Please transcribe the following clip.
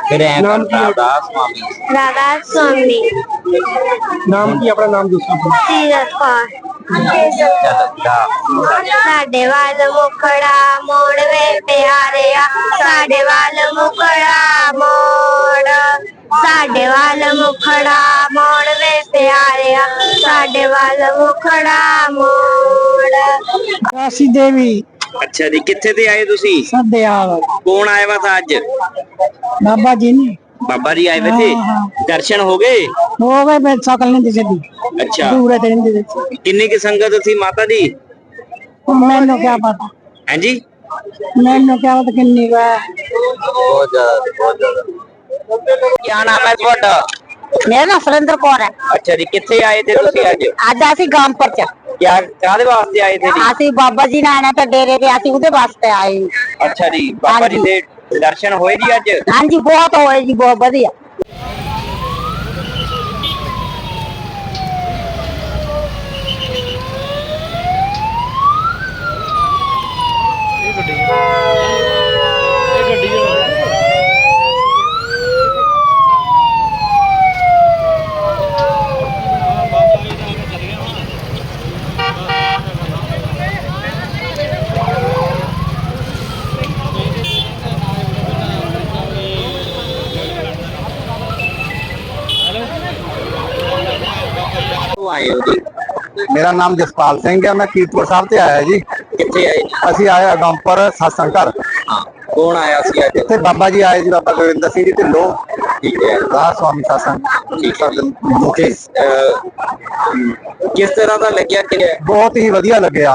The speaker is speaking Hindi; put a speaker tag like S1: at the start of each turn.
S1: फिर ऐ
S2: नाम की है?
S1: राधा स्वामी।
S3: राधा स्वामी।
S2: नाम की अपना नाम दूसरा
S3: सीरत कौर। साडे वाल मुखड़ा मोड़ वे प्यारे साडे वाल मुखड़ा मोड़ साडे वाल मुखड़ा मोड़ वे प्यारे साडे वाल मुखड़ा मोड़।
S2: राशि देवी
S1: अच्छा जी, कितने ते आए तुसी?
S2: सदयाल
S1: कौन आया हुआ था आज?
S2: बाबा जी ने
S1: बाबा जी आए हुए थे। दर्शन हो गए?
S2: हो गए मैं सकल नहीं दिखे दी
S1: अच्छा,
S2: दूर है नहीं दिखे
S1: किन्नी की संगत थी माता जी?
S2: मैंने क्या पता
S1: हैं जी?
S2: मैंने क्या पता किन्नी का
S1: बहुत ज्यादा। क्या नाम है ਤੁਹਾਡਾ?
S4: मेरा नाम सुरेंद्र कौर है।
S1: अच्छा जी, कितने आए थे तुसी आज?
S4: आज असी गांव पर
S1: क्या काहदे वास्ते आए थे जी?
S4: असी बाबा जी ने आना था डेरे पे असी उदे वास्ते आए।
S1: अच्छा जी, बाबा जी दे दर्शन होए जी आज?
S4: हाँ जी बहुत होए जी बहुत बढ़िया।
S1: तो आए हो जी?
S5: मेरा नाम जसपाल सिंह है, मैं कीरतपुर साहब से आया जी।
S1: कितने आए जी?
S5: ਅਸੀਂ ਆਏ ਅਗੰਪਰ ਸਤਸੰਗ ਘਰ।
S1: हाँ, कौन आया सी आज?
S5: ਇੱਥੇ ਬਾਬਾ ਜੀ ਆਏ ਜੀ, ਬਾਬਾ ਗੋਬਿੰਦਰ ਸਿੰਘ ਜੀ ਢਿੱਲੋਂ,
S1: ठीक है।
S5: ਰਾਜ ਸਵਾਮੀ ਸਤਸੰਗ ਮੁਖੀ।
S1: किस तरह का लग्या कि
S5: ਬਹੁਤ ਹੀ ਵਧੀਆ ਲੱਗਿਆ।